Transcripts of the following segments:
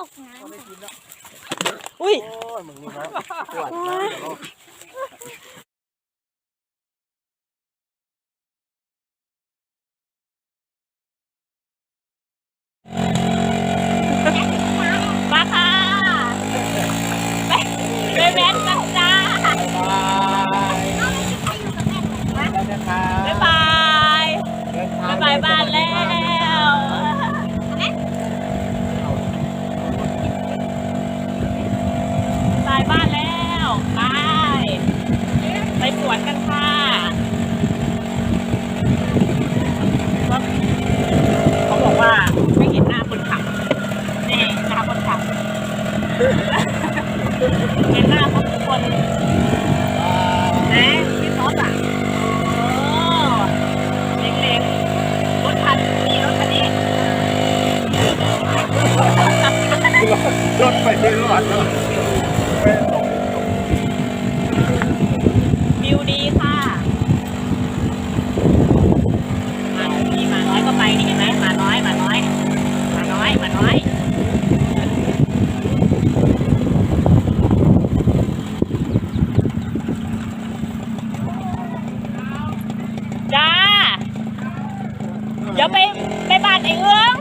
ตกน้ำอุ้ยมึงนี่นะปวดมาค่ะไปแว้นกันจ้าบ๊ายบายบ๊ายบายบ้านแล้วบายบ้านแล้วไปสวนกันค่ะเขาบอกว่าไม่เห็นหน้าคนขับนี่หน้าคนขับเห็นหน้าทุกคนนะพี่ซอสอ่ะเล็กๆรถคันนี้รถคันนี้รถไปไม่รอดเลยวิวดีค่ะมาน้อยก็ไปนี่เห็นไหมมาน้อยจ้าเดี๋ยวไปบ้านไอ้เอื้อง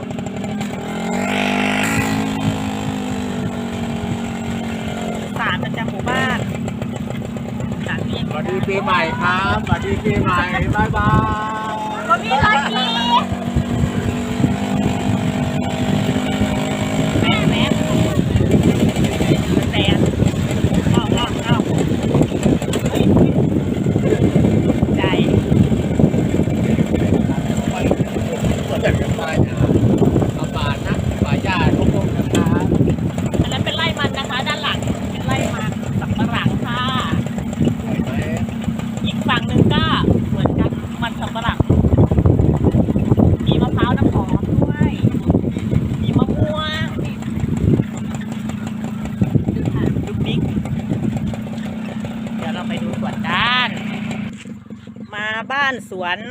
ศาลประจำหมู่บ้านสวัสดีปีใหม่ครับสวัสดีปีใหม่บายบายก็มีรอยกีแม่แสนเอาใจอันนั้นเป็นไร่มันนะคะด้านหลังเป็นไร่มันสับปะหลังค่ะอีกฝั่งหนึ่งก็เหมือนกันมันสับปะหลังมีมะพร้าวน้ำหอมด้วยมีมะม่วงดูบิ๊กเดี๋ยวเราไปดูสวนกันมาบ้านสวน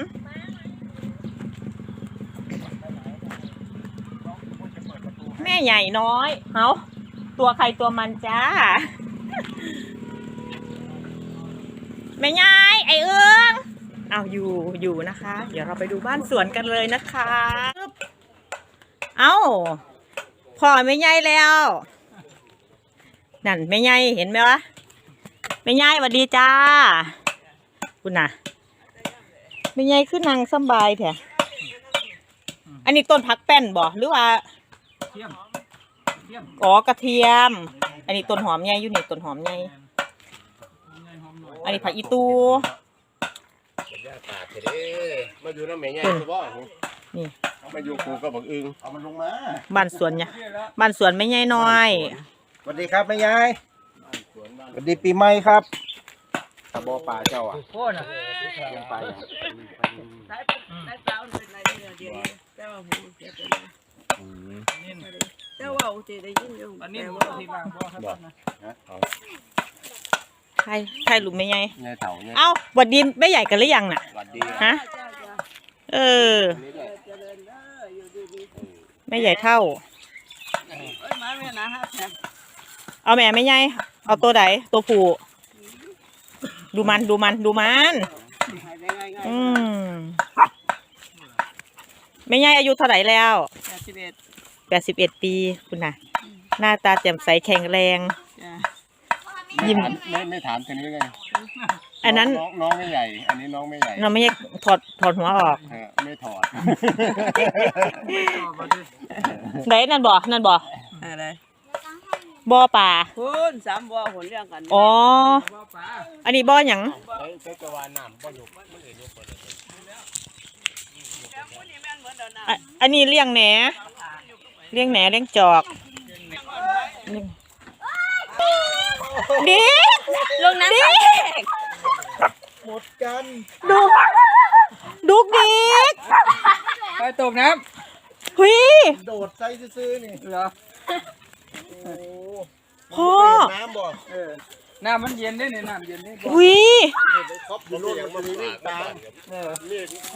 แม่ใหญ่น้อยเอาตัวใครตัวมันจ้าแม่ยายไอเอื้องเอาอยู่นะคะเดี๋ยวเราไปดูบ้านสวนกันเลยนะคะเอาพ่อแม่ยายแล้วนั่นแม่ยายเห็นไหมวะแม่ยายสวัสดีจ้าคุณน่ะแม่ยายขึ้นนางสบายแท้อันนี้ต้นผักแป้นบ่หรือว่าอ๋อกระเทียมอันนี้ต้นหอมใหญ่อยู่นี่ต้นหอมใหญ่อันนี้ผักอีตูมาอยู่น้ำแม่ใหญ่ตัวบ่นี่มาอยู่กูก็บอกอึงเอามันลงมาบ้านสวนเนี่ยบ้านสวนไม่ใหญ่น้อยสวัสดีครับแม่ใหญ่สวัสดีปีใหม่ครับตะบอป่าเจ้าอ่ะโค่น่ะไปเจ้าว่าอุติได้ยินอยู่อันนี้ว่าที่บ้านบ่ครับนะใครหลุมไม่ใหญ่เต่าเอ้าวัดดินไม่ใหญ่กันหรือยังน่ะฮะไม่ใหญ่เท่าเอาแม่ไม่ใหญ่เอาตัวไหนตัวผู้ดูมันไม่ใหญ่อายุเท่าไหร่แล้ว81 ปีคุณน่ะหน้าตาแจ่มใสแข็งแรงยิ้มไม่ถามแค่นี้เลยอันนั้นน้องไม่ใหญ่อันนี้น้องไม่ใหญ่น้องไม่ใหญ่ถอดหัวออกไม่ถอดไหนนั่นบ่อะไรบ่อป่าคุณ3บ่อหนเรื่องกันอ๋ออันนี้บ่อหยังอันนี้เลี้ยงแหนเลี้ยงจอกดิลงน้ำหมดกันดุกดิกไปตกน้ำหุยโดดใส่ซื้อนี่เหรอพ่อน้ำบ่น้ำมันเย็นได้เนี่ยน้ำเย็นได้หุย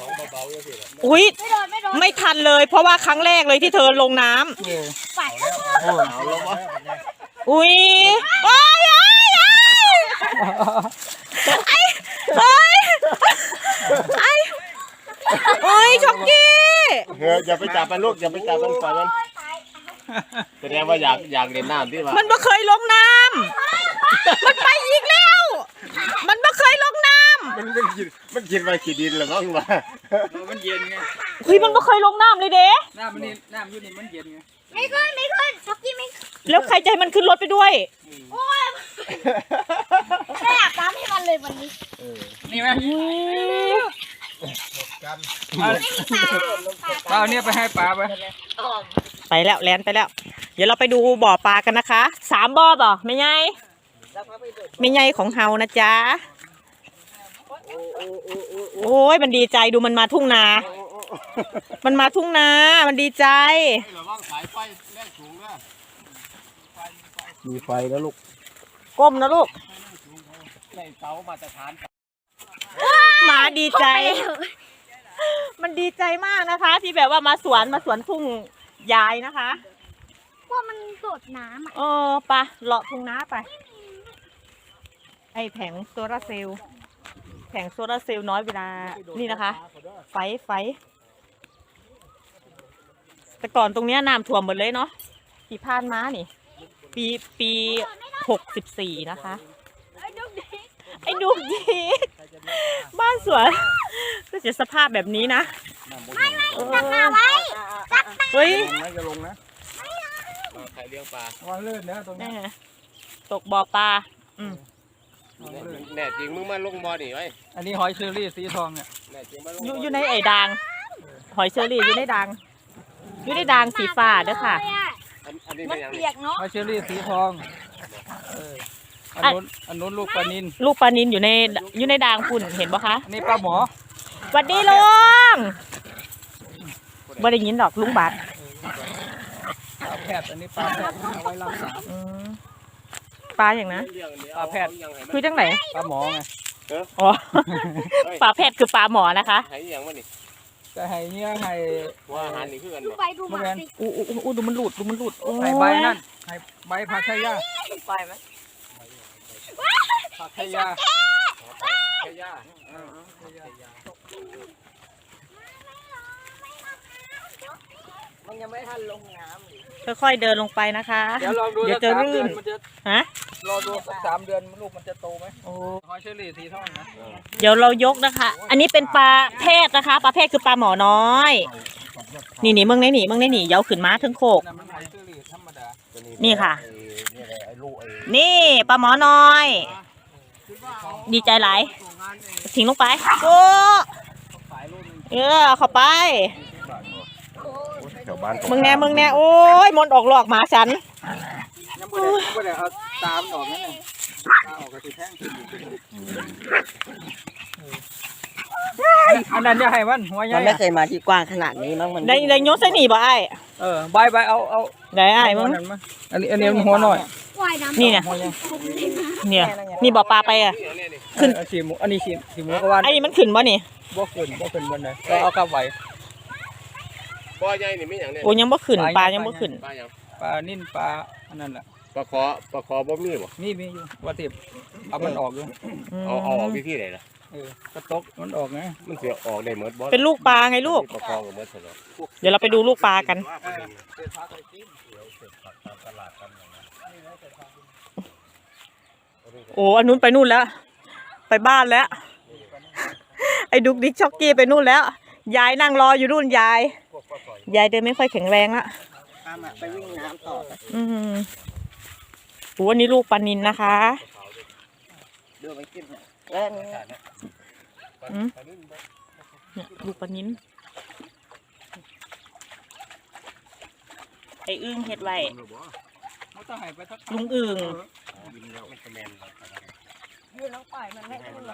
อุ้ยไม่ทันเลยเพราะว่าครั้งแรกเลยที่เธอลงน้ำเอาลงวะอุ้ยโอ้ยโอ้ยโอ้ยช็อกกี้อย่าไปจับมันลูกอย่าไปจับมันปล่อยมันแสดงว่าอยากเล่นน้ำที่ว่ามันไม่เคยลงน้ำมันไปอีกแล้ว มันไม่เคยลงน้ำมันกินไปขี้ดินหรือมั้งวะมันเย็นไงเฮ้ยมันไม่เคยลงน้ำเลยเด้น้ำมันนี่น้ำอยู่นี่มันเย็นไงไม่ขึ้นช็อกกี้ไม่ขึ้นแล้วใครใจมันขึ้นรถไปด้วยโอ้ยไม่อยากตามให้มันเลยวันนี้นี่ไหมไม่มีปลาปลาเนี่ยไปให้ปลาไปไปแล้วแลนไปแล้ว เดี๋ยวเราไปดูบ่อปลากันนะคะ3 บ่อบ่ไม่ใหญ่ไม่ใหญ่ของเฮานะจ๊ะโอ้ยมันดีใจดูมันมาทุ่งนา มันมาทุ่งนา มันดีใจระวังสายไฟแรงสูงนะมีไฟแล้วลูกก้มนะลูกในเสามาตรฐานหมาดีใจ มันดีใจมากนะคะ ที่แบบว่ามาสวนทุ่งยายนะคะพวกมันโดดน้ำอ่ะไปเลาะทุ่งนาไป ไอแผงโซลาร์เซลล์แผงโซลาร์เซลล์น้อยเวลานี่นะคะ ไฟแต่ก่อนตรงเนี้ยน้ำท่วมหมดเลยเนาะที่ผ่านมานี่ปี64นะคะ ไอ้ดูดีบ้านสวนก็จะสภาพแบบนี้นะตักปลาไว้เฮ้ยไม่จะลงนะใครเลี้ยงปลาวางเลื่อนนะตรงนี้ตกบ่อปลาแน่จริงมึงมาลงบ่อนี่ไว้อันนี้หอยเชอรี่สีทองเนี่ยแน่จริงมาลงอยู่ในไอ้ด่างหอยเชอรี่อยู่ในด่างสีฟ้าเด้อค่ะอันนี้มัเป็น นยังเปียกเนาะหอยเชอรี่สีทองอันนู้นลูกปลานินลูกปลานินอยู่ในด่างฝุ่นเห็นปะคะอันนี้ปลาหมอสวัสดีลุงบ่ได้ยินดอกลุงบาทปลาแพทย์อันนี้ปลาแพทย์เอาไว้รักษาปลาอย่างนะปลาแพทย์คือจังไหนปลาหมอไงอ๋อ ปลาแพทย์คือปลาหมอนะคะให้ยังวะนี่จะให้เนี่ยให้ว่าอาหารนี่คือกันดูบ่ไปดูมาสิอู้ดูมันหลุดโอ้ยให้ใบนั่นให้ใบผักไชยาไปไหมผักไชยาแค่ย่ามันยังไม่ทันลงน้ำค่อยๆเดินลงไปนะคะเดี๋ยวลองดูเดี๋ยวจะรื่นมันจะฮะรอดูสัก3 เดือนลูกมันจะโตไหมโอ้หอยเชอรี่สีทองนะเดี๋ยวเรายกนะคะ อันนี้เป็นปลาแพทย์นะคะ ปลาแพทย์คือปลาหมอน้อย นี่มึงได้หนีเยาขึ้นมาถึงโคกนั่นมันหอยเชอรี่ธรรมดานี่ค่ะไอ้ลูกไอ้นี่ปลาหมอน้อย ดีใจหลายทิ้งลงไปโอ้ขายลูกนึงเข้าไปแถวบ้านมึงแน่โอ้ยมนต์ออกหลอกหมาฉันยังไม่ได้เอาตามออกนั่นเองตามออกก็ติดแท่งอันนั้นจะให้มันหัวใหญ่มันไม่เคยมาที่กว้างขนาดนี้มั้งมันได้ยกใส่หนีบ่ไอ้ใบเอาได้ไอ้มึงอันนี้มันหัวหน่อยว่ายน้ำนี่เนี่ยหัวใหญ่เนี่ยนี่บ่อปลาไปอ่ะ ขึ้นสีหมูอันนี้สีหมูก็ว่าไอ้นี่มันขึ้นบ่นี่บ่ขึ้นบนไหนก็เอากลับไว้บ่อใหญ่นี่มีอย่างเนี่ยโอ้ยังบ่ขึ้นปลายังบ่ขึ้นปลาอย่างปลานิ่นปลาอันนั้นแหละปลาคอบ่มีบ่มีอยู่ว่าติบเอามันออกอยู่เอาออกวิธีไหนล่ะกระตกมันออกไงมันเสียออกได้หมดบ่เป็นลูกปลาไงลูกปลาคอกับหมดเหรอเดี๋ยวเราไปดูลูกปลากัน โอ้อันนู้นไปนู่นแล้ว ไปบ้านแล้ว ไอ้ดุกดิกช็อกกี้ไปนู่นแล้ว ยายนั่งรออยู่นู่นยายเดินไม่ค่อยแข็งแรงละไปวิ่งน้ำต่อโอ้อันนี้ลูกปลานินนะคะเดือไปกินแล้วเนี่ยลูกปลานินไอ้อึ้งเฮ็ดไว้มันต้องให้ไปทักลุงอึ่งยืนน้องปล่อยมันไม่เป็นไร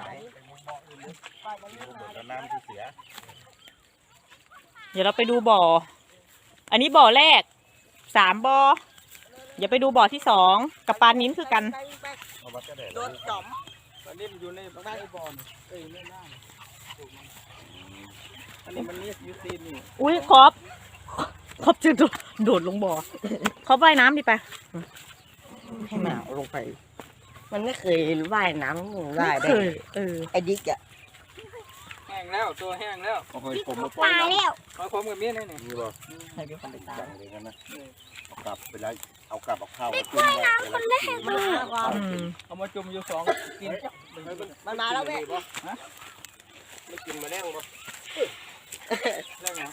น้ำที่เสียเดี๋ยวเราไปดูบ่อ อันนี้บ่อแรก3 บ่อเดี๋ยวไปดูบ่อที่2กับปลานิ้นคือกันโดนจอมปลานิ่มอยู่ในใต้บอลในน้ำอันนี้มันนี่ยูซีนนี่อุ้ยครอบครอบจะโดดลงบ่อเขาว่ายน้ำดิไปให้มันเอาลงไป มันไม่เคยว่ายน้ำได้เคยไอ้ดิ๊กอ่ะแห้งแล้วตัวแห้งแล้วโอ้ยผมมาปล่ตาอยยน้แล้วมาพร้อมกับเมียนี่นี่ำนี่บ่ให้พี่คนไปตามจังเลยกันนะเอากลับไปแล้วเอากลับเอาข้าวมาจุ่มไว้เวลากินมันมาก่อนเอามาจุ่มอยู่2กินมันมาแล้วแม่ไม่กินมาแล้งบ่แล้วไง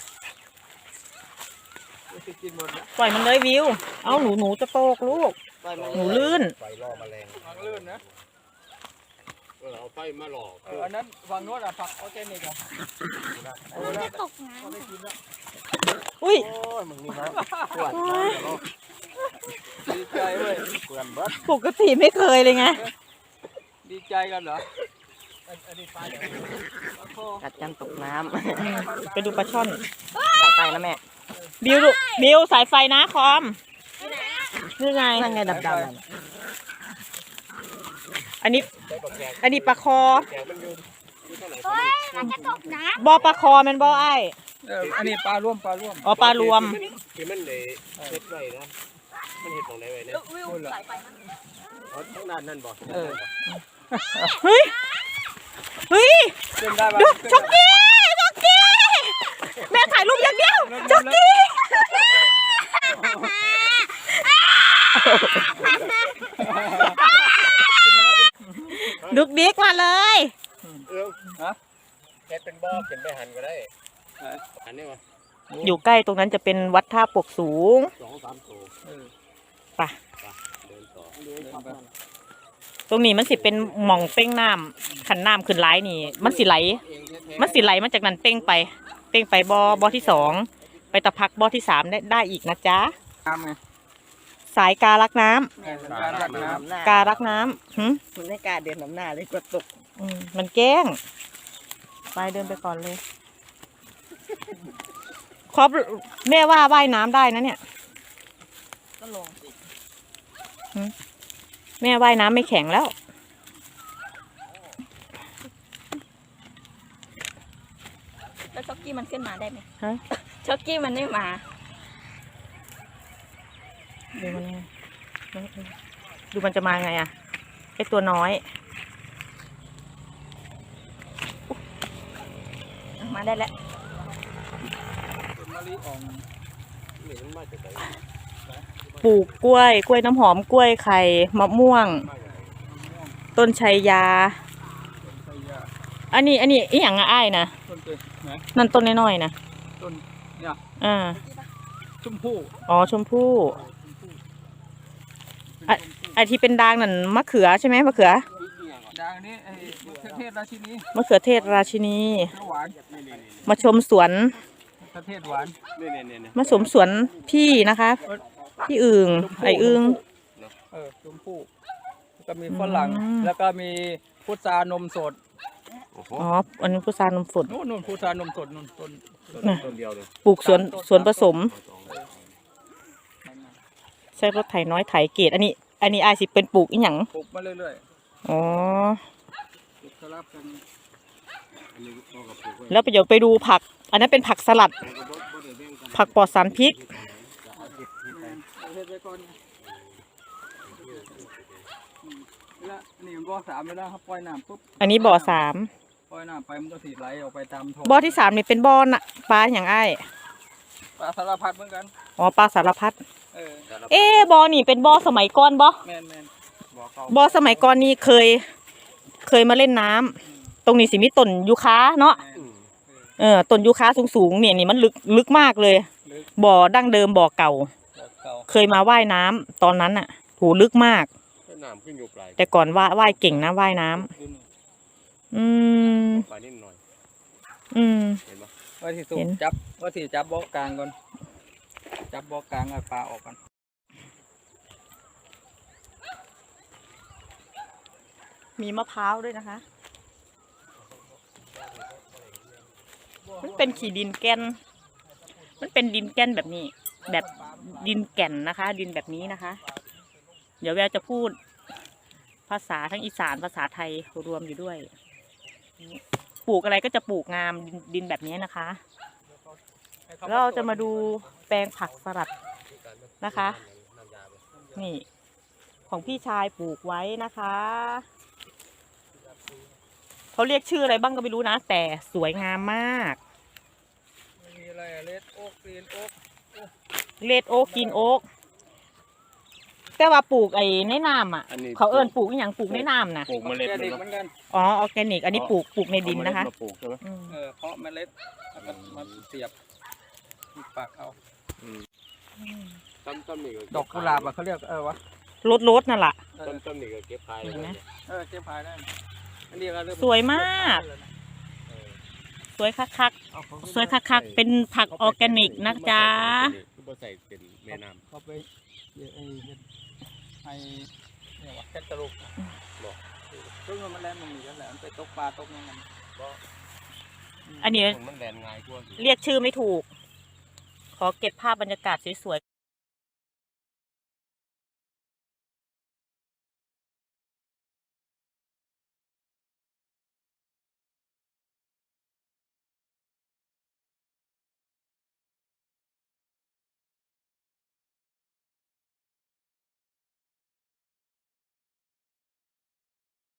จะกินหมดแล้วปล่อยมันเลยวิว เอาหนูจะโตกลูกปล่อยมันหนูลื่นไฟล่อแมลงวางลื่นนะเอาไฟมาหลอกอันนั้นวางโน้ตอ่ะผักออร์แกนิกอ่ะมันจะตกน้เขาได้กินแล้วอุ้ยโอ้ยมึงนี่เนาะปวดดีใจเว้ยเปื่อนเบิดปกติไม่เคยเลยไงดีใจกันเหรออันนี้ปลาอย่างนี้โอ้กัดกันตกน้ไปดูปลาช่อนำใส่ไปนะแม่บิวดูบิวสายไฟนะคอมนี่ไงนั่นไงดำๆนั่นอันนี้ปลาคอำเฮ้ยมันจะตกน้บอปลาคอแมันบอไอ้อันนี้ปลาร่วมอ๋อปลารวมที่มันเลยเฮ็ดไว้นะมันเฮ็ดตรงไหนไว้เนี่ยพูดเหรอทั้งด้านนั่นบ่เฮ้ย เฮ้ยเล่นได้ปะดูช็อกกี้ช็อกกี้แม่ถ่ายรูปอย่างเดียวช็อกกี้ดุกดิกมาเลยเฮ็ดเป็นบ่อเป็นไปหันก็ได้หันนี่วะอยู่ใกล้ตรงนั้นจะเป็นวัดท่าปกสูง 2-3 ตัวไปเดินต่อตรงนี้มันสิเป็นหม่องเป้งน้ำขันน้ำขึ้นไหลนี่ มันสิไหลมาจากนั้นเป้งไปบอที่สองไปตะพักบอที่สามได้อีกนะจ๊ะน้ำไงสายกาลักน้ำแม่มันการักน้ำหน้าการักน้ำหึมันไม่กล้าเดินน้ำหน้าเลยกลัวตกมันแกล้งไปเดินไปก่อนเลยครอบแม่ว่าว่ายน้ำได้นะเนี่ยก็ลงสิแม่ว่ายน้ำไม่แข็งแล้วแล้วช็อกกี้มันขึ้นมาได้ไหมฮะช็อกกี้มันไม่มาดูมันไงดูมันจะมาไงอะไอตัวน้อยมาได้แล้วมะลิอ่องนี่มันมาจากไหนปลูกกล้วยน้ำหอมกล้วยไข่มะม่วง ต้นชัยยาไทยาอันนี้อีหยังอะอ้ายนะต้นเตยไหนนั่นต้นน้อยๆนะต้นเนี่ยอ่าชมพู่อ๋อชมพู่ไอที่เป็นดางนั่นมะเขือใช่ไหมมะเขือดังนี้ไอ้ประเทศราชินีมะเขือเทศราชินีหวานมาชมสวนประเทศหวานนี่มาชมสวนพี่นะคะพี่อึ่งไออึ่งชมพู่แล้วก็มีฝรั่งอืมแล้วก็มีพุทรานมสดอ๋ออันนี้พุทรานมสดนู่นพุทรานมสดนู่นต้นต้นเดียวเลยปลูกสวนผสม ใช้รถไถน้อยไถเกตอันนี้อายสิเป็นปลูกอีหยังปลูกมาเรื่อยอ๋อๆปลูกสลับกันอันนี้ก็กับปลูกไว้แล้วเดี๋ยวไปดูผัก อันนั้นเป็นผักสลัด ผักปลอดสารพิษประเทศไปก่อนแล้วนี่มันบ่อ3แล้วนะครับปล่อยน้ำปุ๊บอันนี้บ่อสามปล่อยน้ำไปมันก็สีไหลออกไปตามท้องบ่อที่สามนี่เป็นบ่อน่ะปลาอย่างอ้ายปลาสารพัดเหมือนกันอ๋อปลาสารพัดเออบ่อนี่เป็นบ่อสมัยก่อนบ่แมนบ่อเก่าบ่อสมัยก่อนนี่เคยมาเล่นน้ำตรงนี้สิมีต้นยูคาเนาะแม่นต้นยูคาสูงๆเนี่ยนี่มันลึกมากเลยลึกบ่อดั้งเดิมบ่อเก่าบ่อเก่าเคยมาว่ายน้ำตอนนั้นน่ะโหลึกมากน้ำขึ้นอยู่ปลายแต่ก่อนว่ายเก่งนะว่ายน้ำดูนี่อืมปลายนิดหน่อยอืมเห็นปะว่าที่สูเห็นว่าที่จับบ่อกลางก่อนจับบ่อกลางเอาปลาออกก่อนมีมะพร้าวด้วยนะคะ มันเป็นขี้ดินแก่น มันเป็นดินแก่นแบบนี้ แบบดินแก่นนะคะ ดินแบบนี้นะคะ เดี๋ยวแววจะพูดภาษาทั้งอีสานภาษาไทยรวมอยู่ด้วย ปลูกอะไรก็จะปลูกงามดินแบบนี้นะคะเราจะมาดูแปลงผักสลัดนะคะ นี่ ของพี่ชายปลูกไว้นะคะเขาเรียกชื่ออะไรบ้างก็ไม่รู้นะ แต่สวยงามมากมีอะไรเลดโอ๊กกรีนโอ๊กเลดโอ๊กกินโอ๊กแต่ว่าปลูกไอ้ในน้ำอ่ะ เขาเอิ้นปลูกอหย่างปลูกในน้ำนะปลูกเมล็ดแกมันเด็กเนาะเหมือนกันอ๋อออร์แกนิก อันนี้ปลูกในดินนะคะเอาเมล็ดมาปลูกใช่ไหมอืมเพาะเมล็ดแล้วก็มาเสียบที่ปากเอาดอกกุหลาบอ่ะเขาเรียกวะรถนั่นแหละต้นนี่ก็เก็บขายเห็นไหมเก็บพายได้อันนี้ก็เริ่สวยมาก สวยคักๆสวยคักๆเป็นผักออร์แกนิกนะจ๊ะบ่ใส่เป็นแม่น้ำเขาไปให้เนี่ยวะแคตตาลูกบอกซึ่งมันแล่นมันมีกันแหละมันไปตกปลาตกนั่นมันอันนี้มันแดนง่ายกว่าเรียกชื่อไม่ถูก ขอเก็บภาพบรรยากาศสวยๆ